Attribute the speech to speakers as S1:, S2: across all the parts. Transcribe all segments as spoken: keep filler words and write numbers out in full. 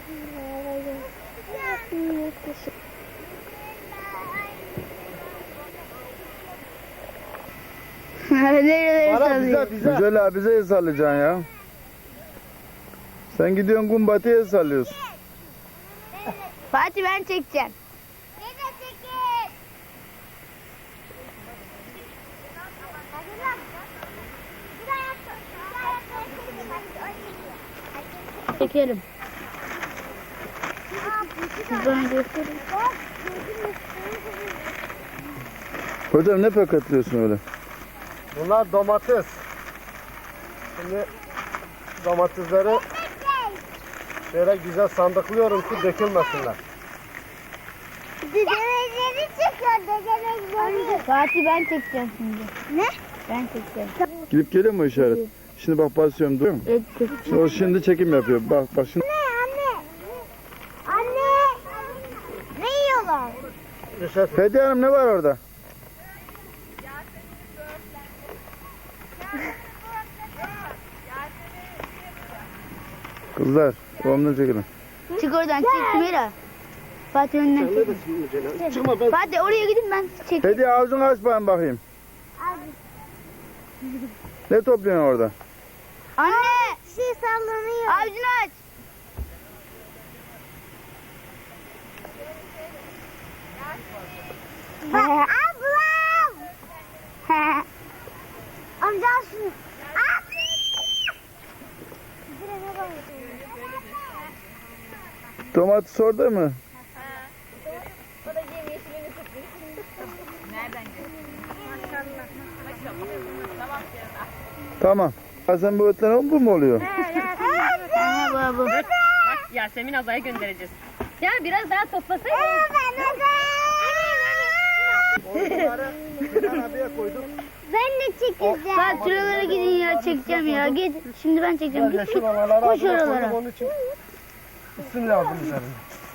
S1: Nereye
S2: Bana
S1: sallıyor?
S2: bize bize.
S3: Güzel abi, bize el sallayacaksın ya. Sen gidiyorsun Gumbati'ye el sallıyorsun.
S1: Fatih ben çekeceğim. Çekelim. Siz bana gösterin.
S3: Hocam ne paketliyorsun öyle?
S2: Bunlar domates. Şimdi domatesleri şöyle güzel sandıklıyorum ki dökülmesinler.
S4: Dedemeleri çıkıyor, dedemeleri.
S1: Fatih ben çekeceğim şimdi.
S4: Ne?
S1: Ben çekeceğim.
S3: Gidip geliyor mu işaret? Şimdi bak basıyorum, duyuyor musun?
S1: Evet.
S3: Şimdi o şimdi çekim yapıyor. Bak bak şimdi.
S4: Anne, anne. Anne. Ne yiyorlar?
S3: Hediye Hanım ne var orada? Kızlar, babamdan çekilin.
S1: Çık oradan çık Sümeyra. Fatih önden çek.
S2: Çıkma ben.
S1: Fatih oraya gidin ben çekeyim.
S3: Hediye avucunu aç ben bakayım. Ne topluyorsun orada?
S1: Anne!
S4: Bir şey sallanıyor.
S1: Avucunu aç.
S4: Bak, ablam. Amca al şunu. Abi. Direne bak.
S3: Domates orada mı? Tamam. Ha, sen bu ötlen bu mu oluyor?
S1: Aha baba.
S5: Bak Yasemin Aza'ya göndereceğiz. Ya biraz daha toplasaydın.
S2: Onları bir arabaya koydum.
S4: Ben de çekeceğim.
S1: Fatih şuralara gidin ya çekeceğim ya. Git. Şimdi ben çekeceğim. Git
S2: Yeşil
S1: git.
S2: olanları
S1: Koş
S2: arabaya
S1: oralara.
S2: koydum, onun için isim lazım üzerine.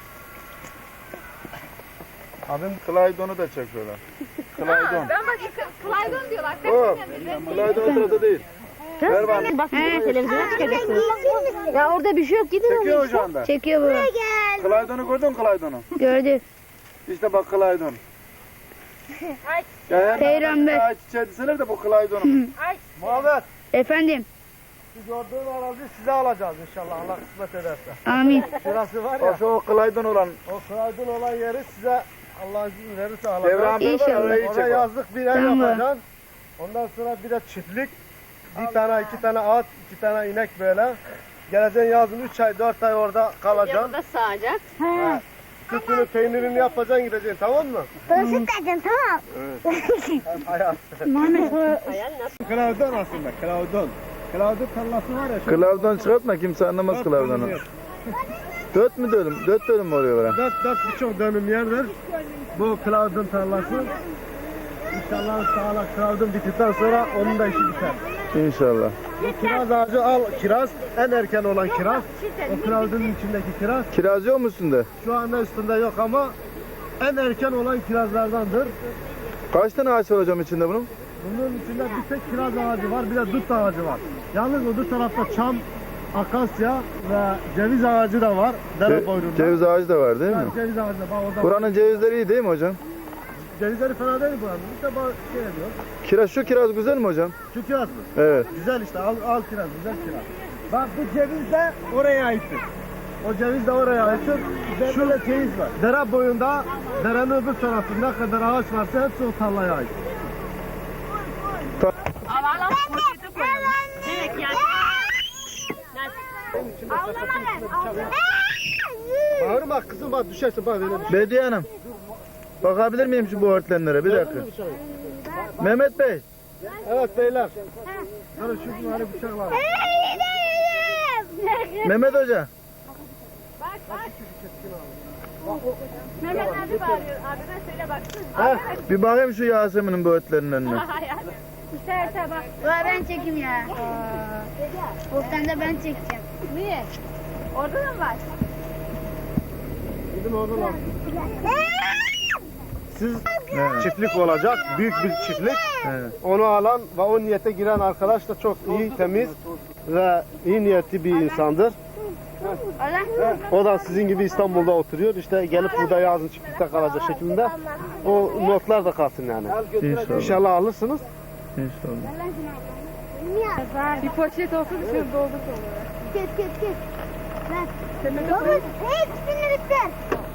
S3: Abim Claydon'u da çekiyorlar. Claydon.
S5: Ben bak Claydon diyorlar.
S3: O, Claydon o sırada değil. Ver bana.
S5: Bak televizyona çıkacaksınız. Ya orada bir şey yok gidin.
S3: Çekiyor şu anda.
S1: Çekiyor bu.
S3: Claydon'u gördün mü Claydon'u?
S1: Gördük.
S3: İşte bak Claydon. Ya her
S1: Peygamber.
S3: ağaç çiçeği deseler de bu Claydon'un.
S2: Muhammed,
S1: Efendim.
S2: şu gördüğün arazi size alacağız inşallah Allah kısmet ederse.
S1: Amin.
S2: Şurası var
S3: O
S2: ya,
S3: şu o Claydon olan.
S2: o Kıraydın olan yeri size Allah izin verirse alacağız.
S3: Devran bir var
S1: İnşallah.
S3: orayı
S2: Oraya
S3: çek. bak.
S2: yazlık bir ev
S1: Tamam.
S2: yapacaksın. Ondan sonra bir de çiftlik. Bir tane, iki tane at, iki tane inek böyle. Geleceksin yazın üç ay, dört ay orada kalacaksın.
S5: Burada sağacak.
S2: Ha. Sütünü, peynirini yapacaksın gideceksin, tamam mı?
S4: Burası dedim tamam.
S2: Hem hayat. Kılavdon aslında, kılavdon. Kılavdon tarlası var ya. şu-
S3: Claydon çıkartma, kimse anlamaz
S2: Dört
S3: Claydon'u.
S2: dönüm yer.
S3: Dört mü dönüm? Dört dönüm mü oluyor böyle?
S2: Dört, dört birçok dönüm yerdir. Bu kılavdon tarlası. İnşallah sağla kılavdon bittikten sonra onun da işi biter.
S3: İnşallah.
S2: Bu kiraz ağacı al, kiraz. En erken olan kiraz. O kılavdonun içindeki kiraz.
S3: Kiraz yok mu üstünde?
S2: Şu anda üstünde yok ama en erken olan kirazlardandır.
S3: Kaç tane ağaç var hocam içinde bunun?
S2: Bunun içinde bir tek kiraz ağacı var, bir de dut ağacı var. Yalnız öbür tarafta çam, akasya ve ceviz ağacı da var. Dere
S3: Ce-
S2: boyunda.
S3: ceviz ağacı da var değil mi?
S2: Evet, ceviz ağacı da var. Orada
S3: Buranın cevizleri iyi değil mi hocam?
S2: cevizleri fena değil buranın. İşte bak şey ediyor.
S3: Kiraz, şu kiraz güzel mi hocam?
S2: Şu kiraz mı?
S3: Evet.
S2: Güzel işte, al, al kiraz, güzel kiraz. Bak bu ceviz de oraya aittir. O ceviz de oraya aittir. Şu ceviz var. Dere boyunda, derenin öbür tarafında ne kadar ağaç varsa hepsi o tarlaya ait.
S5: Avala poşete koyalım. Evet yani.
S2: Bağırma kızım bak düşersin bak öyle bir şey.
S3: Bediye Hanım. Bakabilir miyim şu bu örtlenlere? Bir dakika. Mehmet Bey.
S2: Evet beyler. Hadi şu bir hani bıçak var.
S3: Mehmet Hoca.
S5: Mehmet abi bağırıyor. Abime söyle baksın.
S3: Bir bakayım şu Yasemin'in bu örtlerinin önüne.
S5: İsterse bak.
S1: Ulan ben çekeyim ya. Oftan da ben çekeceğim.
S5: Niye? Orada da mı var?
S2: Gidin oradan al. Siz
S3: Evet.
S2: çiftlik olacak, büyük bir çiftlik.
S3: Evet.
S2: Onu alan ve o niyete giren arkadaş da çok iyi, temiz ve iyi niyetli bir insandır. O da sizin gibi İstanbul'da oturuyor. İşte gelip burada yazın çiftlikte kalacak şeklinde. O notlar da kalsın yani.
S3: İnşallah.
S2: İnşallah alırsınız.
S3: İnşallah.
S5: Bir poşet olsun şurada olur.
S4: Kes kes kes. Baba hepsini bitir.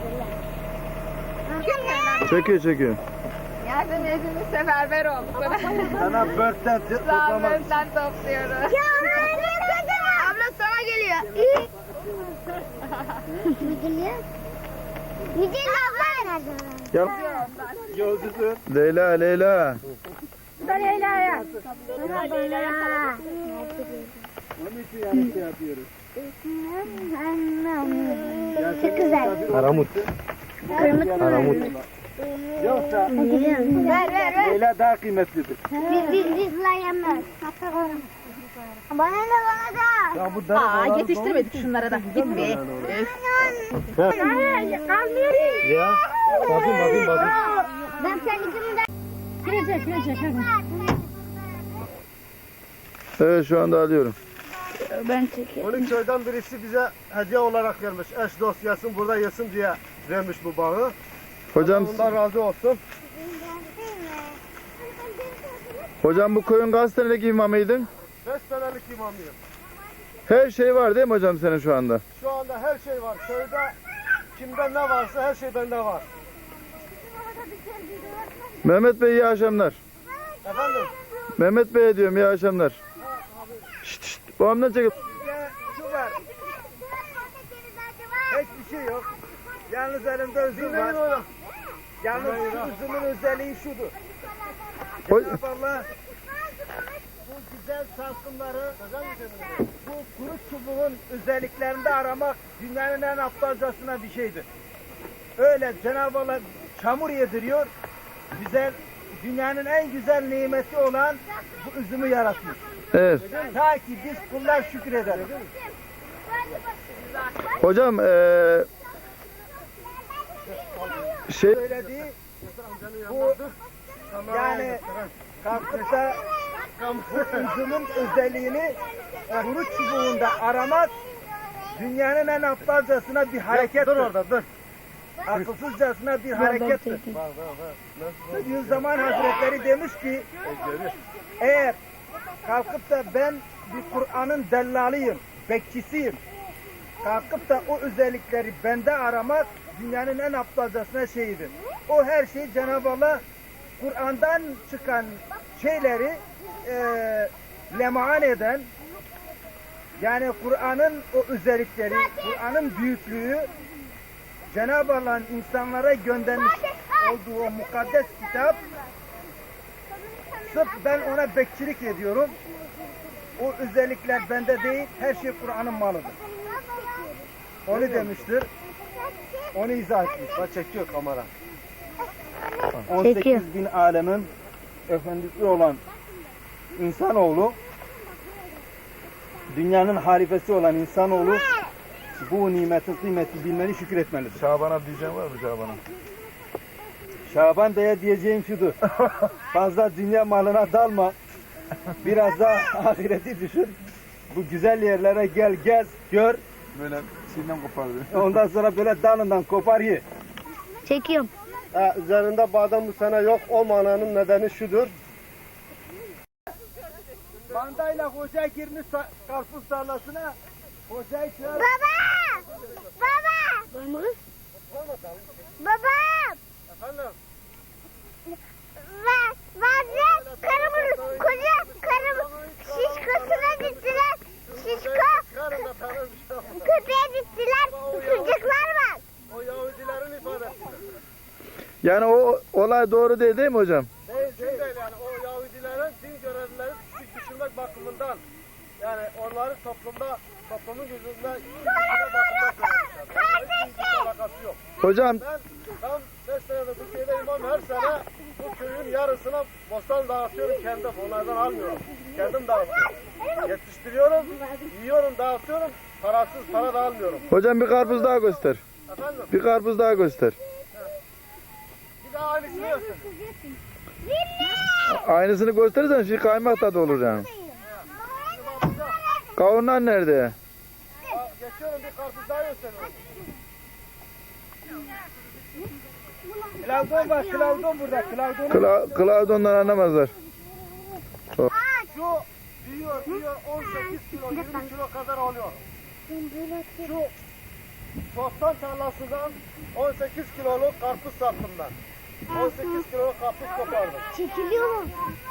S3: Çekiyor çekiyor.
S5: Yardım hepimiz seferber olduk.
S2: Sana börtten toplamak.
S5: Rahmetten topluyoruz.
S4: Ya ne kadar?
S1: Abla sana geliyor.
S4: Ne geliyor? Müdür abla nerede?
S3: Gel.
S2: Yolcusun.
S3: Leyla Leyla.
S4: Leyla'ya.
S2: Onun için yani şey yapıyoruz.
S4: Çok güzel.
S2: Aramut.
S4: Kırmızı.
S2: Aramut. Yoksa
S4: Ver ver ver.
S2: Leyla daha kıymetlidir.
S4: Biz biz biz yemez. Bana da bana da.
S2: Ya bu dere
S5: Aa
S2: dolar-
S5: yetiştirmedik şunlara da. Gitme.
S4: Hayır kalmıyorum.
S2: Ya. Bakayım bakayım bakayım.
S4: Ben kendimi de... Girecek girecek.
S3: Evet şu anda alıyorum.
S1: Ben çekeyim.
S2: Onun köyden birisi bize hediye olarak vermiş. Eş dost yesin burada yesin diye vermiş bu bağı.
S3: Hocam
S2: Ondan razı olsun.
S3: hocam bu koyun kaç senelik imamıydın?
S2: Beş senelik imamıyım.
S3: Her şey var değil mi hocam senin şu anda?
S2: Şu anda her şey var. Köyde kimde ne varsa her şey bende var.
S3: Mehmet Bey iyi akşamlar.
S2: Efendim?
S3: Mehmet Bey diyorum iyi akşamlar. Şşt şşt. Babamdan çekip.
S2: Bizde şu var. Hiçbir şey yok. Yalnız elimde üzüm var. Yalnız şu üzümün özelliği şudur.
S3: Hoy-
S2: Cenab-ı Allah bu güzel salkımları, bu kuru çubuğun özelliklerinde aramak dünyanın en aptalcasına bir şeydir. Öyle Cenab-ı Allah çamur yediriyor, güzel, dünyanın en güzel nimeti olan bu üzümü yaratmış.
S3: Evet.
S2: Ta ki biz kullar şükredelim.
S3: Hocam eee şey
S2: Söylediği bu yani kalkıp da bu üzümün özelliğini kuru çubuğunda aramak dünyanın en aptalcasına bir harekettir. Dur orada dur. Akılsızcasına bir harekettir. Yüzzaman Hazretleri demiş ki eğer kalkıp da ben bir Kur'an'ın dellalıyım, bekçisiyim. Kalkıp da o özellikleri bende aramak dünyanın en aptalcasına şeyidir. O her şey Cenab-ı Allah Kur'an'dan çıkan şeyleri e, lemaan eden, yani Kur'an'ın o özellikleri, Kur'an'ın büyüklüğü, Cenab-ı Allah'ın insanlara göndermiş olduğu o mukaddes kitap, sırf ben ona bekçilik ediyorum. O özellikler bende değil, her şey Kur'an'ın malıdır. Onu demiştir. Onu izah etmiş. Bak çekiyor kamera. on sekiz bin alemin efendisi olan insanoğlu, dünyanın halifesi olan insanoğlu bu nimetin kıymeti bilmeni şükretmelidir.
S3: Şaban'a diyeceğim var mı Şaban'a?
S2: Şaban Bey'e diyeceğim şudur. Fazla dünya malına dalma. Biraz da ahireti düşün. Bu güzel yerlere gel, gez, gör.
S3: Böyle şeyden kopardı.
S2: Ondan sonra böyle dalından kopar ye.
S1: Çekiyorum.
S2: Ha, üzerinde badem bu sene yok. O mananın nedeni şudur. Bandayla hoca girmiş sa- karpuz tarlasına. Hocayı çağır.
S4: Baba! Baba! Baba!
S2: Efendim?
S4: Ve bazı karımın koca karım şişkosuna gittiler. Şişko
S2: Çıkarın da tanır bir şey olmaz.
S4: köpeğe gittiler. Çocuklar var.
S2: O Yahudilerin ifadesi.
S3: Yani o olay doğru değil değil mi hocam?
S2: Değil, değil. değil yani o Yahudilerin din görevlileri küçük düşürmek bakımından, yani onları toplumda, toplumun gözünde küçük düşürmek bakımından söylemişler. Hiç alakası yok.
S3: Hocam
S2: Ben tam beş senedir bu köyde imam, her sene bu köyün yarısına bostan dağıtıyorum kendim. Onlardan almıyorum. Kendim dağıtıyorum. Yetiştiriyorum, yiyorum, dağıtıyorum. Parasız para da almıyorum.
S3: hocam bir karpuz daha göster.
S2: Efendim?
S3: Bir karpuz daha göster.
S2: Bir daha aynısını göster.
S3: Aynısını gösterirsen şey kaymak tadı olur yani. Kavunlar nerede?
S2: Aa, geçen çekiyorum, bir karpuz daha gösteriyorum. Klavdon var, klavdon burada. Klavdon.
S3: Kla Klaudon'dan anlamazlar.
S2: Şu büyüyor, büyüyor. on sekiz kilo, yirmi kilo kadar oluyor. Şu bostan tarlasından on sekiz kiloluk karpuz sattım ben. on sekiz kiloluk karpuz kopardım.
S4: Çekiliyor mu?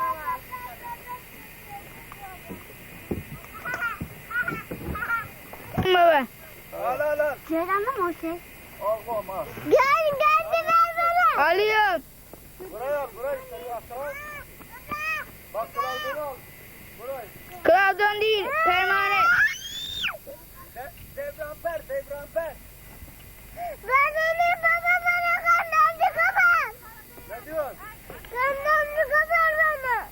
S1: Baba.
S2: Al al al.
S4: Ceylan'da mı o şey?
S2: Al kom al.
S4: Gel gel de ver bana.
S1: Alıyorum.
S2: Buraya buraya işte aşağı. Bak klavdonu al. Buraya.
S1: Klaudon değil. Pervane.
S2: De, devramper, devramper.
S4: Ben onu baba bana kandandı kapat.
S2: Ne diyorsun?
S4: Kandandı kapat bana.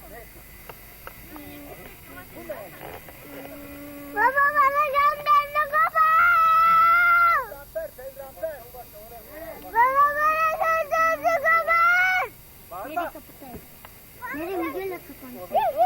S4: Baba bana kandandı kapat.
S2: Devramper, devramper.
S4: Baba bana kandandı kapat.
S2: Bağırma.
S4: Nereye videoyla kapanıyor?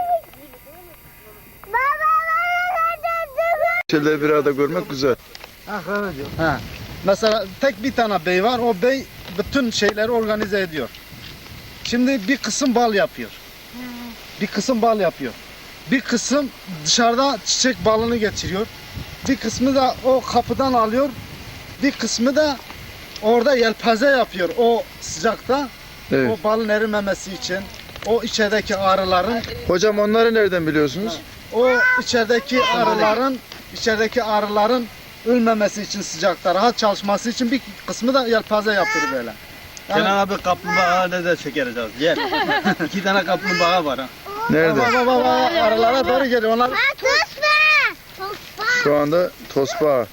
S4: Baba bana kandandı kapat.
S3: Şeyleri bir arada görmek güzel.
S2: Ha, ha. Mesela tek bir tane bey var. O bey bütün şeyleri organize ediyor. Şimdi bir kısım bal yapıyor. Bir kısım bal yapıyor. Bir kısım dışarıda çiçek balını geçiriyor. Bir kısmı da o kapıdan alıyor. Bir kısmı da orada yelpaze yapıyor o sıcakta.
S3: Evet.
S2: O balın erimemesi için. O içerideki arıların
S3: Hocam onları nereden biliyorsunuz?
S2: o içerideki arıların içerideki arıların ölmemesi için sıcakta rahat çalışması için bir kısmı da yelpaze yapıyor böyle. Yani,
S6: Kenan abi kaplumbağa da çekeriz az. Gel. İki tane kaplumbağa var ha.
S3: Nerede?
S2: baba baba arılara doğru geliyor. Onlar
S4: Tospa! Tospa!
S3: Şu anda tosbağa.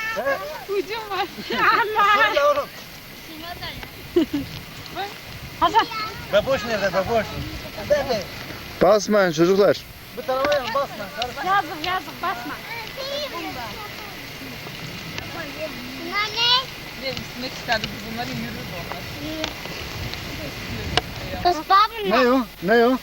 S2: Söyle oğlum.
S6: Beboş nerede beboş?
S3: Basmayın çocuklar.
S2: Bu tarafa yan basma.
S5: Yazık yazık basma.
S4: Bunlar ne?
S7: Ne üstüne çıkardı bunları yürür onlar.
S4: Tospa mı?
S2: Ne o? Ne o?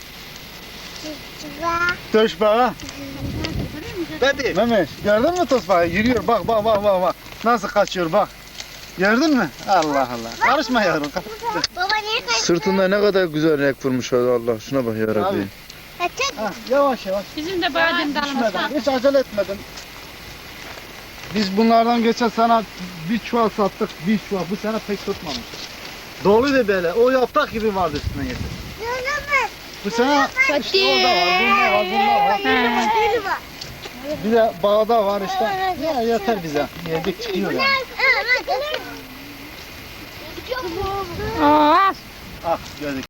S2: Tosbağa.
S6: Hadi.
S2: Mehmet gördün mü tosbağa? Yürüyor bak bak bak bak bak. Nasıl kaçıyor bak. Gördün mü? Allah Allah. Karışma yavrum.
S4: Baba niye kaçtı?
S3: Sırtında ne kadar güzel renk vurmuş Allah. Şuna bak ya Rabbi.
S2: Abi.
S4: Kaçın.
S2: Ha, yavaş yavaş.
S5: Bizim de badem
S2: Düşmeden. Hiç acele etmedin. Biz bunlardan geçen sene bir çuval sattık. Bir çuval. Bu sene pek tutmamış. Doluydu böyle. O yaprak gibi vardı üstüne getir. Bu sene işte orada var. Bunlar var. Bunlar var.
S4: Gülü var.
S2: Bir de bağda var işte. Ya yeter bize. Yedik çıkıyor yani.
S1: Aa.
S2: Ah gördük.